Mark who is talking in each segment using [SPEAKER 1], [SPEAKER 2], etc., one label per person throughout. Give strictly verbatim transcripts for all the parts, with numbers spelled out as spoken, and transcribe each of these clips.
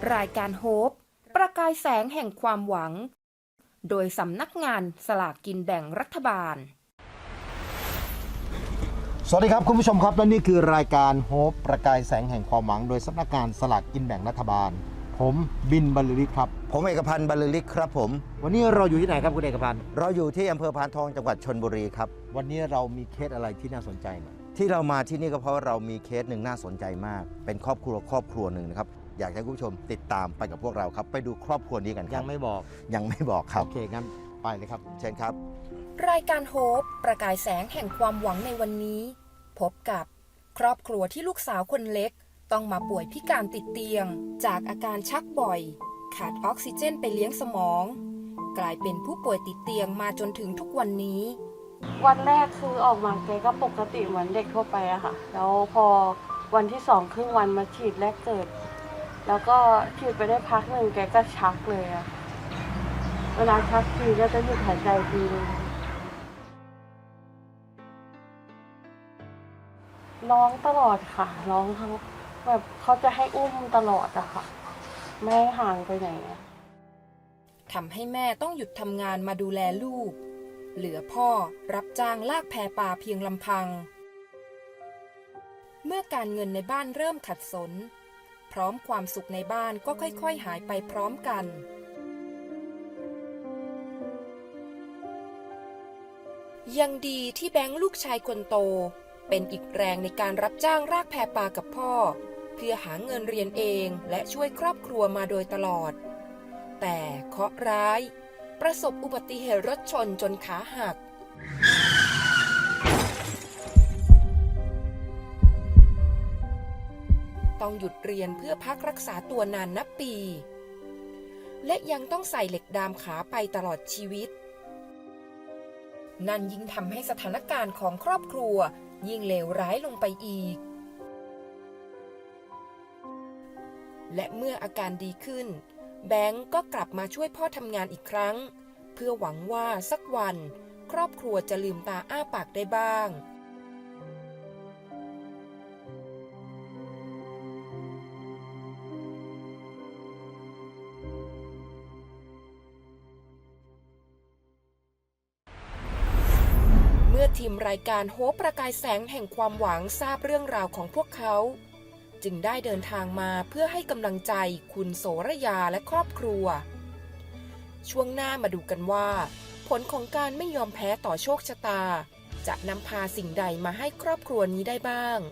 [SPEAKER 1] รายการโฮปประกายแสงแห่งความหวังโดยสำนักงานสลากกินแบ่งรัฐบาล
[SPEAKER 2] สวัสดีครับคุณผู้ชมครับและนี่คือรายการโฮปประกายแสงแห่งความหวังโดยสำนักงานสลากกินแบ่งรัฐบาลผมบินบรรลือฤทธิ์ครับ
[SPEAKER 3] ผมเอกพันธ์บรรลือฤทธิ์ครับผม
[SPEAKER 2] วันนี้เราอยู่ที่ไหนครับคุณเอกพันธ์
[SPEAKER 3] เราอยู่ที่อำเภอพานทองจังหวัดชลบุรีครับ
[SPEAKER 2] วันนี้เรามีเคสอะไรที่น่าสนใจไหม
[SPEAKER 3] ที่เรามาที่นี่ก็เพราะเรามีเคสหนึ่งน่าสนใจมากเป็นครอบครัวครอบครัวหนึ่งนะครับอยากให้คุณผู้ชมติดตามไปกับพวกเราครับไปดูครอบครัวนี้กันครับ
[SPEAKER 2] ยังไม่บอก
[SPEAKER 3] ยังไม่บอกครับ
[SPEAKER 2] โอเคงั้นไปเลยครับ
[SPEAKER 3] เชิญครับ
[SPEAKER 1] รายการโฮปประกายแสงแห่งความหวังในวันนี้พบกับครอบครัวที่ลูกสาวคนเล็กต้องมาป่วยพิการติดเตียงจากอาการชักบ่อยขาดออกซิเจนไปเลี้ยงสมองกลายเป็นผู้ป่วยติดเตียงมาจนถึงทุกวันนี้
[SPEAKER 4] วันแรกคือออกมาแกก็ปกติเหมือนเด็กทั่วไปอะค่ะแล้วพอวันที่สองครึ่งวันมาฉีดแรกเกิดแล้วก็ฉีดไปได้พักหนึ่งแกก็ชักเลยอะเวลาชักทีก็จะหยุดหายใจทีนึงร้องตลอดค่ะร้องทั้งแบบเขาจะให้อุ้มตลอดอะค่ะไม่ให้ห่างไปไหน
[SPEAKER 1] ทำให้แม่ต้องหยุดทำงานมาดูแลลูกเหลือพ่อรับจ้างลากแพปลาเพียงลำพังเมื่อการเงินในบ้านเริ่มขัดสนพร้อมความสุขในบ้านก็ค่อยๆหายไปพร้อมกันยังดีที่แบงค์ลูกชายคนโตเป็นอีกแรงในการรับจ้างลากแพปลากับพ่อเพื่อหาเงินเรียนเองและช่วยครอบครัวมาโดยตลอดแต่เคราะห์ร้ายประสบอุบัติเหตุรถชนจนขาหักต้องหยุดเรียนเพื่อพักรักษาตัวนานนับปีและยังต้องใส่เหล็กดามขาไปตลอดชีวิตนั่นยิ่งทำให้สถานการณ์ของครอบครัวยิ่งเลวร้ายลงไปอีกและเมื่ออาการดีขึ้นแบงก์ก็กลับมาช่วยพ่อทำงานอีกครั้งเพื่อหวังว่าสักวันครอบครัวจะลืมตาอ้าปากได้บ้างเมื่อทีมรายการโฮปประกายแสงแห่งความหวังทราบเรื่องราวของพวกเขาจึงได้เดินทางมาเพื่อให้กำลังใจคุณโสระยาและครอบครัวช่วงหน้ามาดูกันว่าผลของการไม่ยอมแพ้ต่อโชคชะตาจะนำพาสิ่งใดมาให้ครอบครัวนี้ได้บ้าง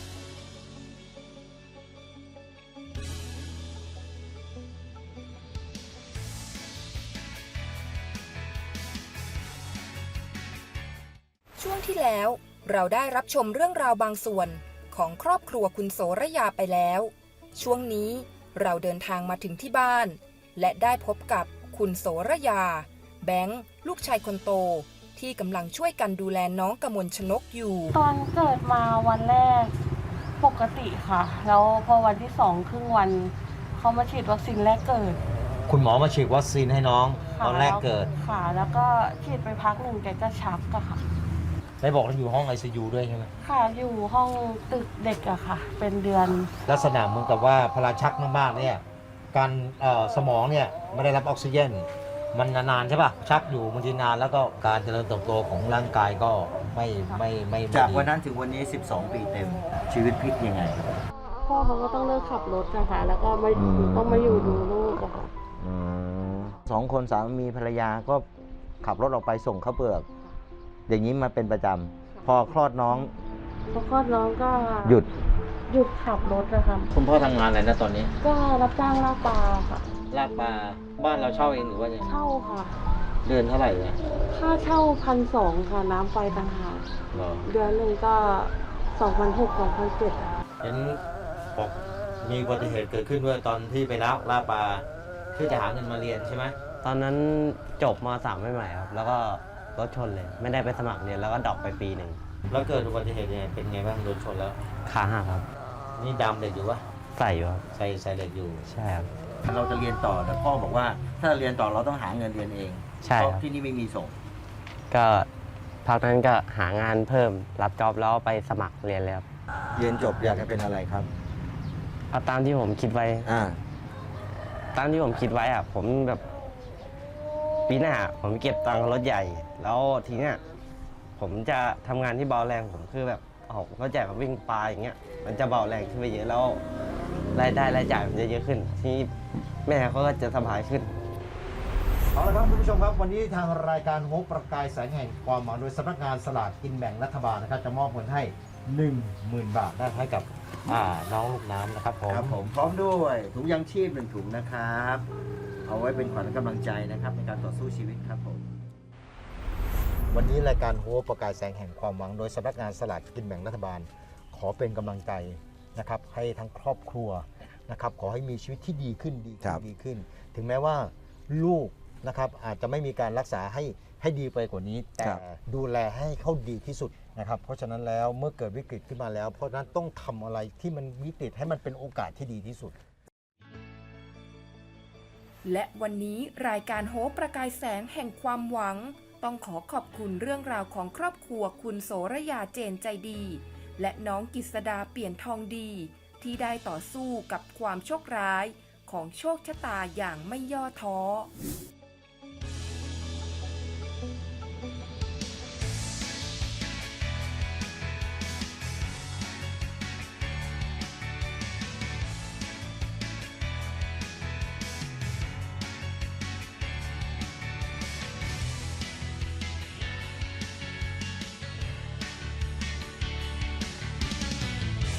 [SPEAKER 1] ช่วงที่แล้วเราได้รับชมเรื่องราวบางส่วนของครอบครัวคุณโสระยาไปแล้วช่วงนี้เราเดินทางมาถึงที่บ้านและได้พบกับคุณโสระยาแบงค์ลูกชายคนโตที่กำลังช่วยกันดูแลน้องกมลชนกอยู่
[SPEAKER 4] ตอนเกิดมาวันแรกปกติค่ะแล้วพอวันที่สองครึ่งวันเขามาฉีดวัคซีนแรกเกิด
[SPEAKER 2] คุณหมอมาฉีดวัคซีนให้น้องตอนแรกเกิด
[SPEAKER 4] ค่ะแล้วก็ฉีดไปพักหนึ่งแกก็ชักอะค่ะ
[SPEAKER 2] ได้บอกว่าอยู่ห้อง ไอ ซี ยู ด้วยใช่ไหม
[SPEAKER 4] ค่ะอยู่ห้องตึกเด็กอะค่ะเป็นเดือน
[SPEAKER 2] ลักษณะเหมือนกับว่าพลาชักมากๆเนี่ยการสมองเนี่ยไม่ได้รับออกซิเจนมันนานๆใช่ป่ะชักอยู่บางทีนานแล้วก็การเจริญเติบโตของร่างกายก็ไม่ไม่ไม่
[SPEAKER 3] จากวันนั้นถึงวันนี้สิบสองปีเต็มชีวิตพลิกยังไง
[SPEAKER 4] พ่อเขาก็ต้องเลิกขับรถนะคะแล้วก็มาต้องมาอยู่ดูลูกอะค่ะ
[SPEAKER 3] สองคนสามีภรรยาก็ขับรถออกไปส่งข้าวเปลือกอย่างนี้มาเป็นประจำพอคลอดน้อง
[SPEAKER 4] พอคลอดน้องก็
[SPEAKER 3] หยุด
[SPEAKER 4] หยุดขับรถนะคะ
[SPEAKER 2] คุณพ่อทำงานอะไรนะตอนนี้
[SPEAKER 4] ก็รับจ้างลากปลาค่ะ
[SPEAKER 2] ลากปลาบ้านเราเช่าเองหรือว่ายัง
[SPEAKER 4] เช่าค่ะ
[SPEAKER 2] เดือนเท่าไหร่เนี่ย
[SPEAKER 4] ค่าเช่าพันสองค่ะน้ำไฟต่างหากเดือนหนึ่งก็สองพันหกสองพันเจ็ด
[SPEAKER 2] เห็นบอกมีอุบัติเหตุเกิดขึ้นด้วยตอนที่ไปลากลากปลาเพื่อจะหาเงินมาเรียนใช่ไหม
[SPEAKER 5] ตอนนั้นจบม.สาม ใหม่ๆครับแล้วก็รถชนเลยไม่ได้ไปสมัครเรียนแล้วก็ดรอปไปปีหนึ่ง
[SPEAKER 2] แล้วเกิดอุบัติเหตุยังไงเป็นไงบ้างโดนชนแล้ว
[SPEAKER 5] ขาหักครับ
[SPEAKER 2] นี่ดำเหล็กอยู่วะ
[SPEAKER 5] ใส่อยู่ครับ
[SPEAKER 2] ใส่ใส่เหล็กอยู่
[SPEAKER 5] ใช่ครับ
[SPEAKER 3] เราจะเรียนต่อแต่พ่อบอกว่าถ้าเรียนต่อเราต้องหาเงินเรียนเอง
[SPEAKER 5] ใช่
[SPEAKER 3] เพราะที่นี่ไม่มีส่ง
[SPEAKER 5] ก็พักนั้นก็หางานเพิ่มรับจ็อบแล้วไปสมัครเรียนเลยครับ
[SPEAKER 3] เรียนจบอยากจะเป็นอะไรครับ
[SPEAKER 5] เอาตามที่ผมคิดไว้
[SPEAKER 3] อ่า
[SPEAKER 5] ตามที่ผมคิดไว้อะผมแบบปีหน้าผมเก็บตังค์รถใหญ่ แล้วทีเนี้ยผมจะทำงานที่เบาแรงผมคือแบบออกรถใหญ่มาวิ่งปลาอย่างเงี้ยมันจะเบาแรงขึ้นไปเยอะแล้วรายได้รายจ่ายมันจะเยอะขึ้น ที่แม่เขาก็จะสบายขึ้น
[SPEAKER 2] เอาละครับคุณผู้ชมครับวันนี้ทางรายการโฮปประกายแสงแห่งความหวังโดยสำนักงานสลากกินแบ่งรัฐบาลนะครับจะมอบเงินให้ หนึ่งหมื่น บาทได้ให้กับอ่าน้องลูกน้ำนะครับผม
[SPEAKER 3] ครับผมพร้อมด้วยถุงยางชีพหนึ่งถุงนะครับ เอาไว้เป็นขวัญกำลังใจนะครับในการต่อสู้ชีวิตครับผม
[SPEAKER 2] วันนี้รายการโฮปประกายแสงแห่งความหวังโดยสำนักงานสลากกินแบ่งรัฐบาล ขอเป็นกำลังใจนะครับให้ทั้งครอบครัวนะครับขอให้มีชีวิตที่ดีขึ้นดี
[SPEAKER 3] ครั
[SPEAKER 2] ขึ้น
[SPEAKER 3] บ
[SPEAKER 2] ดีขึ้น ถึงแม้ว่าลูกนะครับอาจจะไม่มีการรักษาให้ให้ดีไปกว่านี้ แต่ดูแลให้เขาดีที่สุดนะครับเพราะฉะนั้นแล้วเมื่อเกิดวิกฤตขึ้นมาแล้ว เพราะฉะนั้นต้องทำอะไรที่มันวิกฤตให้มันเป็นโอกาสที่ดีที่สุด
[SPEAKER 1] และวันนี้รายการโฮปประกายแสงแห่งความหวัง ต้องขอขอบคุณเรื่องราวของครอบครัวคุณโสระยาเจนใจดี และน้องกิษดาเปลี่ยนทองดี ที่ได้ต่อสู้กับความโชคร้ายของโชคชะตาอย่างไม่ย่อท้อ